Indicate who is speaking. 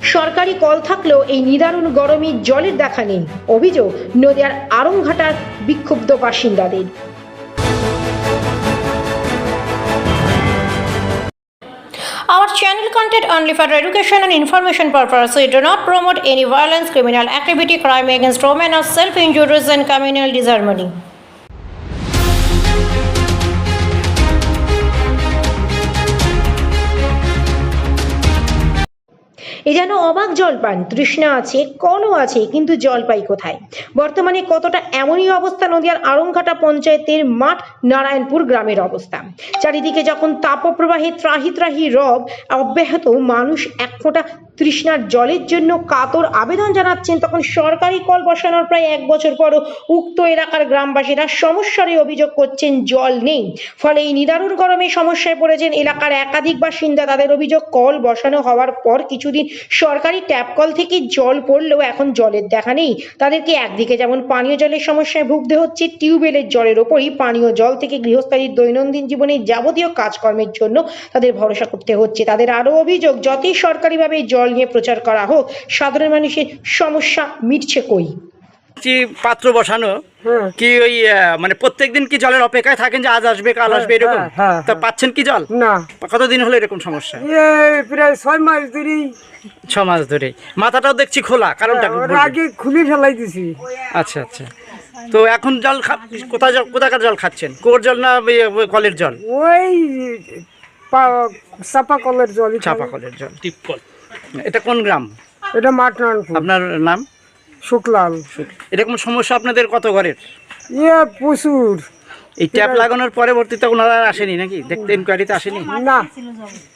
Speaker 1: সরকারি কল থাকলেও এই নিদারুণ গরমে জলের দেখা নেই। অভিযোগ নদিয়ার আড়ংঘাটার বিক্ষুব্ধ বাসিন্দাদের। Our channel content only for education and information purpose. We do not promote any violence, criminal activity, crime against women, or self-injuries and communal disharmony. এ যেন অবাক জলপান, তৃষ্ণা আছে, কলও আছে, কিন্তু জল পাই কোথায়? বর্তমানে কতটা এমনই অবস্থা নদিয়ার আড়ংঘাটা পঞ্চায়েতের মাঠ নারায়ণপুর গ্রামের অবস্থা। চারিদিকে যখন তাপপ্রবাহে ত্রাহি ত্রাহি রব অব্যাহত, মানুষ এক ফোঁটা তৃষ্ণার জলের জন্য কাতর আবেদন জানাচ্ছেন, তখন সরকারি কল বসানোর প্রায় 1 বছর পরও উক্ত এলাকার গ্রামবাসীরা সমস্যার অভিযোগ করছেন জল নেই। ফলে এই নিদারুণ গরমে সমস্যায় পড়েছেন এলাকার একাধিক বাসিন্দা। তাদের অভিযোগ, কল বসানো হওয়ার পর কিছুদিন সরকারি ট্যাপ কল থেকে জল পড়লেও এখন জলের দেখা নেই। তাদেরকে একদিকে যেমন পানীয় জলের সমস্যায় ভুগতে হচ্ছে, টিউবওয়েলের জলের ওপরই পানীয় জল থেকে গৃহস্থালীর দৈনন্দিন জীবনে যাবতীয় কাজকর্মের জন্য তাদের ভরসা করতে হচ্ছে। তাদের আরো অভিযোগ, যতই সরকারিভাবে জল নিয়ে প্রচার করা হোক, সাধারণ মানুষের সমস্যা মিটছে কই?
Speaker 2: পাত্র বসানো কি ওই মানে প্রত্যেকদিন কি জলের অপেক্ষায় থাকেন যে আজ আসবে কাল আসবে এরকম? তা পাচ্ছেন কি জল?
Speaker 3: না।
Speaker 2: কতদিন হলো এরকম সমস্যা?
Speaker 3: প্রায় 6 মাস ধরে।
Speaker 2: 6 মাস ধরে। মাথাটাও দেখছি খোলা, কারণটা
Speaker 3: আগে খুলে ফেলাই দিছি।
Speaker 2: আচ্ছা আচ্ছা। তো এখন জল কোথাকার জল খাচ্ছেন? কুয়োর জল না কলের জল?
Speaker 3: ওই চাপা কলের জল।
Speaker 2: চাপা কলের জল, টিপকল। এটা কোন গ্রাম?
Speaker 3: এটা মাঠ নারায়ণপুর।
Speaker 2: আপনার নাম?
Speaker 3: শুক্লাল।
Speaker 2: এরকম সমস্যা আপনাদের কত ঘরের?
Speaker 3: প্রচুর।
Speaker 2: এই ট্যাপ লাগানোর পরবর্তীতে ওনারা আসেনি নাকি দেখতে? ইনকোয়ারিতে আসেনি?
Speaker 3: না।